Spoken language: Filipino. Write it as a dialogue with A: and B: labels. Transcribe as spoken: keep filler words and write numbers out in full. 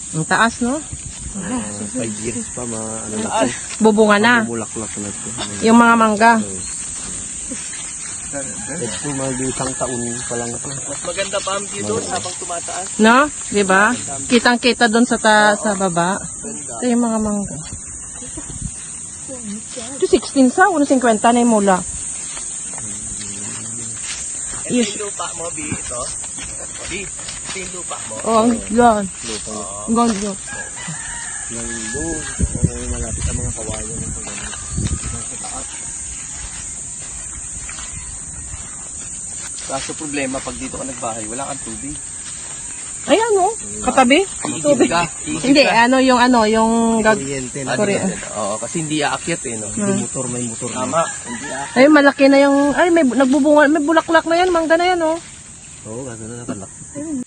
A: Ang taas, no?
B: Uh, five years pa, ma, ano na po.
A: Bubunga na.
B: Bumulaklak na po.
A: Yung mga mangga.
B: Ito, mga isang taon pa lang ito.
C: Mas maganda pa ang view doon habang tumataas.
A: No? Diba? Kitang-kita doon sa ta sa baba. Ito yung mga mangga. Ito sixteen sa, one fifty na yung mula.
C: Ito yung lupa mo, B, ito. B, ito yung lupa mo.
A: Oh, ang yan.
B: Lupa.
A: Ang ganda.
B: Yung doon, yung malapit sa mga kawayan ng pagkakas. Nasa taas.
C: Kaso problema, pag dito ka nagbahay, wala kang tubig.
A: Ayan, no? Katabi.
C: Iigib ka. iigib
A: Hindi,
C: ka.
A: ano yung ano, yung gag...
B: Kuryente
C: Ah,
B: na.
A: Sorry.
C: di ba? Oo, kasi hindi aakyat eh, no?
B: May motor, may motor.
C: Tama, hindi aakyat.
A: Ay, malaki na yung... Ay, may nagbubunga, may bulaklak na yan, mangga na yan, oh.
B: Oo, gano'n na nakalak.